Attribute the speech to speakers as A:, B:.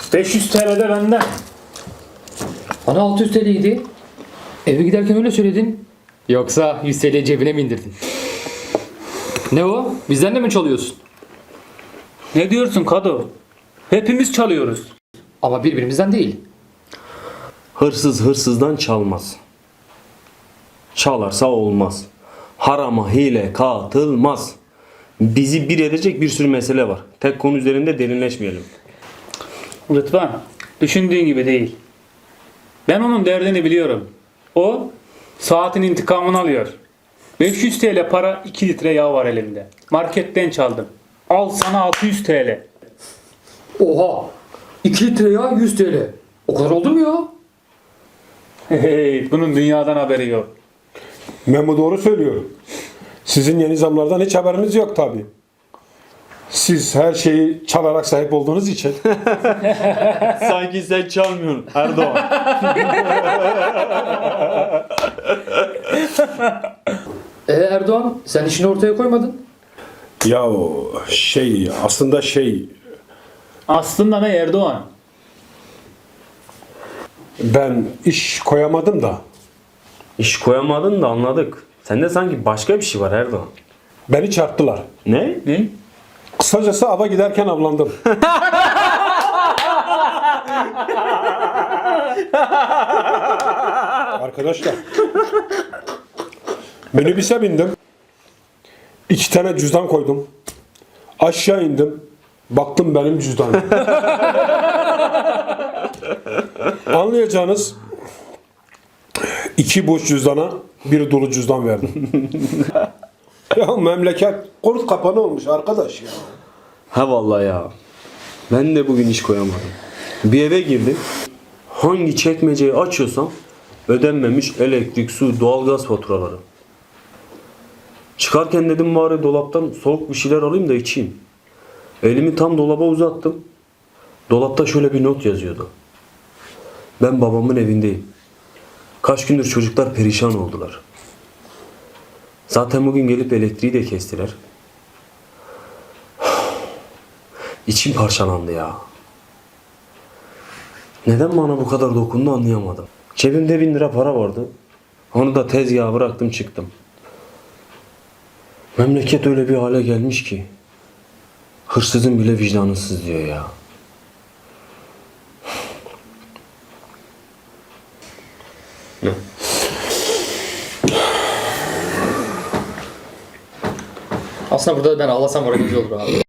A: 500 TL de benden.
B: Bana 600 TL'ydi. Eve giderken öyle söyledin. Yoksa 100 TL cebine mi indirdin? Ne o? Bizden de mi çalıyorsun?
A: Ne diyorsun Kado? Hepimiz çalıyoruz.
B: Ama birbirimizden değil.
C: Hırsız hırsızdan çalmaz. Çalarsa olmaz. Harama hile katılmaz. Bizi bir edecek bir sürü mesele var. Tek konu üzerinde derinleşmeyelim.
A: Rıdvan, düşündüğün gibi değil. Ben onun derdini biliyorum. O saatin intikamını alıyor. 500 TL para, 2 litre yağ var elimde. Marketten çaldım. Al sana 600 TL.
B: Oha! 2 litre ya 100 TL. O kadar oldu mu ya?
A: Hey, bunun dünyadan haberi yok.
D: Memo doğru söylüyor. Sizin yeni zamlardan hiç haberiniz yok tabi. Siz her şeyi çalarak sahip olduğunuz için.
C: Sanki sen çalmıyorsun Erdoğan.
B: Erdoğan sen işini ortaya koymadın.
D: Ya aslında
A: Aslında ne Erdoğan?
D: ben iş koyamadım da.
C: İş koyamadın da anladık. Sende sanki başka bir şey var Erdoğan.
D: Beni çarptılar.
C: Ne?
A: Ne?
D: Kısacası ava giderken avlandım. Arkadaşlar. Minibüse bindim. 2 tane cüzdan koydum. Aşağı indim. Baktım benim cüzdanım. Anlayacağınız 2 boş cüzdana 1 dolu cüzdan verdim. Ya memleket kurt kapanı olmuş arkadaş ya.
C: Ha vallahi ya. Ben de bugün iş koyamadım. Bir eve girdim. Hangi çekmeceyi açıyorsam ödenmemiş elektrik, su, doğalgaz faturaları. Çıkarken dedim bari dolaptan soğuk bir şeyler alayım da içeyim. Elimi tam dolaba uzattım. Dolapta şöyle bir not yazıyordu. Ben babamın evindeyim. Kaç gündür çocuklar perişan oldular. Zaten bugün gelip elektriği de kestiler. İçim parçalandı ya. Neden bana bu kadar dokundu anlayamadım. Cebimde 1000 lira para vardı. Onu da tezgaha bıraktım çıktım. Memleket öyle bir hale gelmiş ki hırsızın bile vicdanı sızlıyor ya. Ne?
B: Aslında burada ben ağlasam moralimiz olur abi.